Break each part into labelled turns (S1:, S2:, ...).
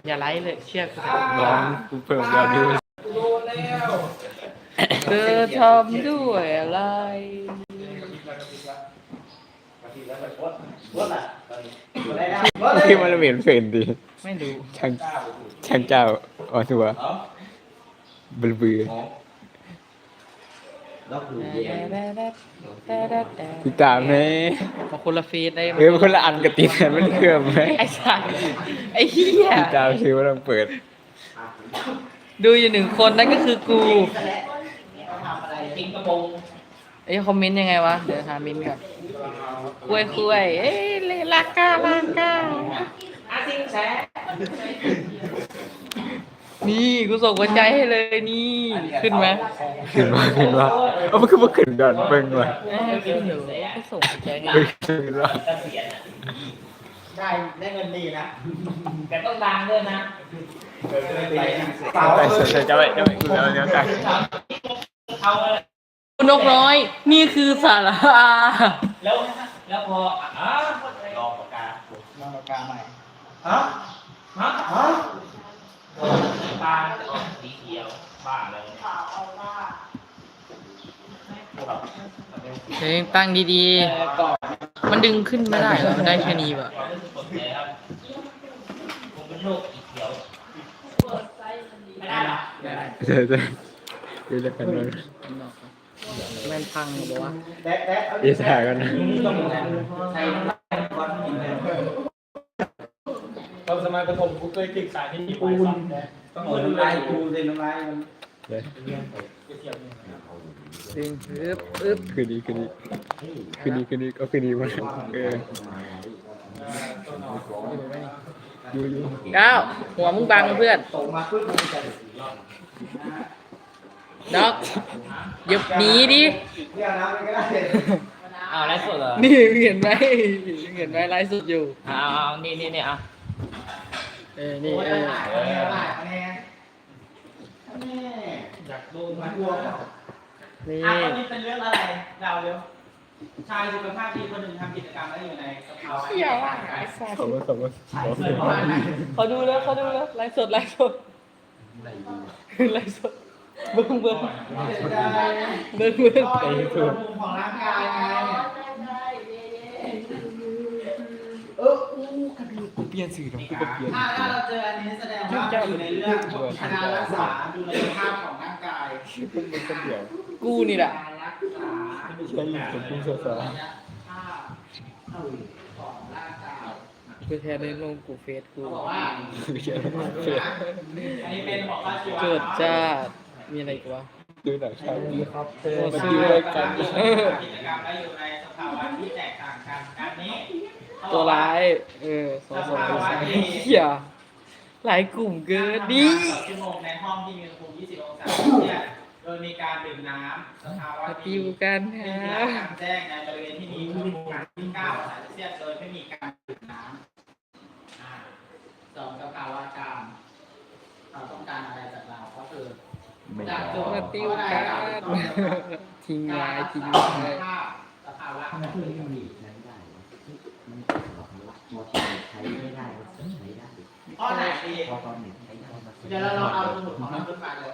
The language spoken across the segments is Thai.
S1: อย่าไลฟ์เลยเชื่อกู
S2: น้องกูเพิ่มยอดดู
S1: เธอทำด้วยอะไร
S2: ที่มันเหม็นเฟินดี
S1: ไม่รู้
S2: ช่างเจ้าอ่อนตัวบือติดตามไหม
S1: มาคนละเฟซได้ไหม
S2: มันคนละอันกับติดกันมันเคลื่อนไหม
S1: ไอ้สัสไอ้เหี้ย
S2: ติดตามซิว่าต้องเปิด
S1: ดูอยู่หนึ่งคนนั่นก็คือกูไอ้คอมเมนต์ยังไงวะ เดี๋ยวหาเมนต์ก่อนคุยเอ้ยลากานี่กูส่งหัวใจให้เลยนี่ขึ้นไหม
S2: ขึ้นว่าเอามันคือมาขึ้นก่อนเบิ่งว่ะ
S1: ขึ้นอยู่ก็ส่งหัวใจให้
S2: ขึ้นว่า
S3: ได้เงินดีนะ
S1: แต่ต้องดังด้วยนะ
S2: ไปเสร็จจะไปกูแล้วเนี่ยกัน
S1: นกน้อย นี่คือสาระ
S3: แล้วพอรอปากกาใหม่ฮะตาสีเขียวบ้าเลย
S1: เฮ้ยตั้งดีๆ มันดึงขึ้นไม่ได้เหรอมันได้แค่นี้ป่ะ
S3: ผมเป็นโรคสีเขียวไม่ได้หรอ
S2: เดี๋ยวจะกันเลย
S1: แม่นพังหรือวะ
S2: เดี๋ยวถ่ายกันนะ
S4: ตอนสมัยประถมกูเคยติดสายที่ญี่ปุ่นต้อง
S3: น้ำลายกูเลยน้ำลายมัน
S2: เดี๋ยว
S1: ดึงอึ๊บ
S2: คืนนี้ก็คืนนี้มาอยู่
S1: ก้าวหัวมึงบังเพื่อน
S3: ตกมาปุ๊บมันจะ
S1: ด็อกหยิบหนีดิ
S3: เรียกน้ำไปก็ได้
S1: เอาไลฟ์สดเหรอ นี่เห็นไหมไลฟ์สดอยู่เอานี่เอานี่
S3: คะแนนอยากโดนมันกลัวเปล่า
S1: นี่
S3: ตอนนี้เป็นเรื่องอะไรเราเร็วชายสุขภาพดีคนหนึ่งทำกิจกรรมแล้วอยู่ในสภาวะ
S1: เชี่ยวอ่ะไอ้สัส
S2: สมมติ
S1: เขาดูแล้วไลฟ์สดไลฟ์สดเบิ้ง
S3: มุมของร่างกายไง
S2: กูเปลี่ยนสื่อแล้วกูก็เปลี่ยน
S3: ถ้าเราเจออันนี้แสดงว่าอยู่ในเรื่องการรักษาดูแลสุขภาพของร่างกาย
S2: เป็นคนเดียว
S1: กูนี่แหละ
S3: การรักษา
S2: ไม่ใช่อยู่กับกูสาว
S3: ภาพของร่างกาย
S1: กูแทนในลงกูเฟซกู
S3: เขาบอกว่า
S2: ไม่ใช่เฟซ
S3: อันนี้เป็นบอกว่าชีวะ
S1: เกิดจ้ามีอะไรกูวะ
S2: ดูหนังชาวนี้ครับ
S1: โอ้
S2: มา
S1: ซื้
S2: ดู
S1: อ
S2: รายการ
S3: กิจกรรมและอยู่ในสภาวะที่แตกต่างกันการนี้
S1: ตัวร้ายสองเหี้ยหลายกลุ่มเกินดิ
S3: ชั่วโมงในห้องที่มีอุณหภูมิ20 องศาเซลเซียสโดยมีการดื่มน้ำสภาวะ
S1: มา
S3: ที่
S1: ติวกัน
S3: เป็น
S1: ฮะ
S3: ที่กลางแจ้งในบริเวณที่มีอุณหภูมิที่9 องศาเซลเซียสโดยไม่มีการดื่มน้ำสองสภาวะกลางเราต้องการอะไรจากเราก็คือ
S2: ไม่
S3: จาก
S2: ได้
S3: จุด
S1: มาติวกันทิ้งไว้ทิ้ง
S3: ภา
S1: ไว้
S3: พสภาวะของมันข้อไหนดีเดี๋ยวเราลองเอาสมุดของเราขึ้นมาเลย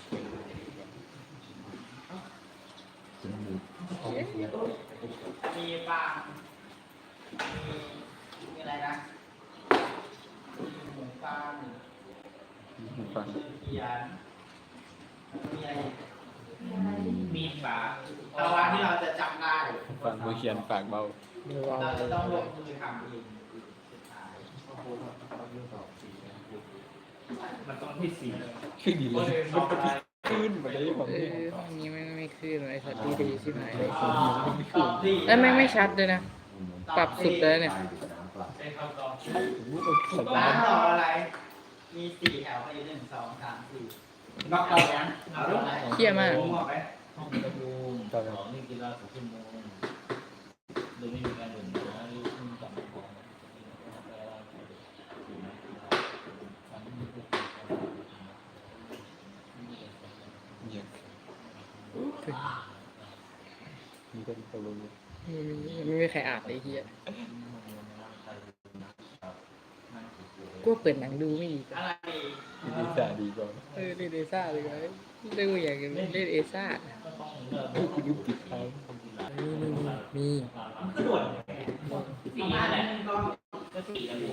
S3: มีฟางมีอะไรนะมีหมูฟางเขียนมีอะไรมีฝาภาวะที่เราจะจำได้
S2: ฟังมือเขียนปากเบา
S3: เราจะต้องลงมือทำเองมันต้องที่สี่
S2: ขึ้นดีเลยมันขึ้นมาได้ผม
S1: ห้องนี้ไม่ขึ้นไอ้สัตว์ดีใช่ไหม
S3: ตอบที่
S1: แล้วไม่ชัดเลยนะ ปรับสุดเลยเนี่ย
S3: เป็นคำตอบ
S2: สัป
S3: ร้า
S2: ดาน ห์
S3: ตอบอะไร มี4 แถวให้1 2 3 4นอกจากนั้นเอาอะไร
S1: เหี้ยมาก
S3: งอกไหม
S4: ห้องประชุม
S2: ตอน
S4: สองนี่กีฬา2 ชั่วโมงโดยไม่มีการดื่มน้ำหรือขึ้นต่ำของ
S2: มีกันตกลง
S1: ไม่มีใครอ่านเลยเฮีย
S4: นั่งเฉย
S1: กูว่าเปิดหนังดูไม่ดีกว่า
S3: อะไร
S2: ดีซ่าดีกว่า
S1: เล่นเอซ่าเลยไหมเล่นอย่างเล่นเอซ่า
S2: กูดูปิดทาง
S1: มี
S3: ประมาณนึงก็
S4: ก็ตีกันอยู่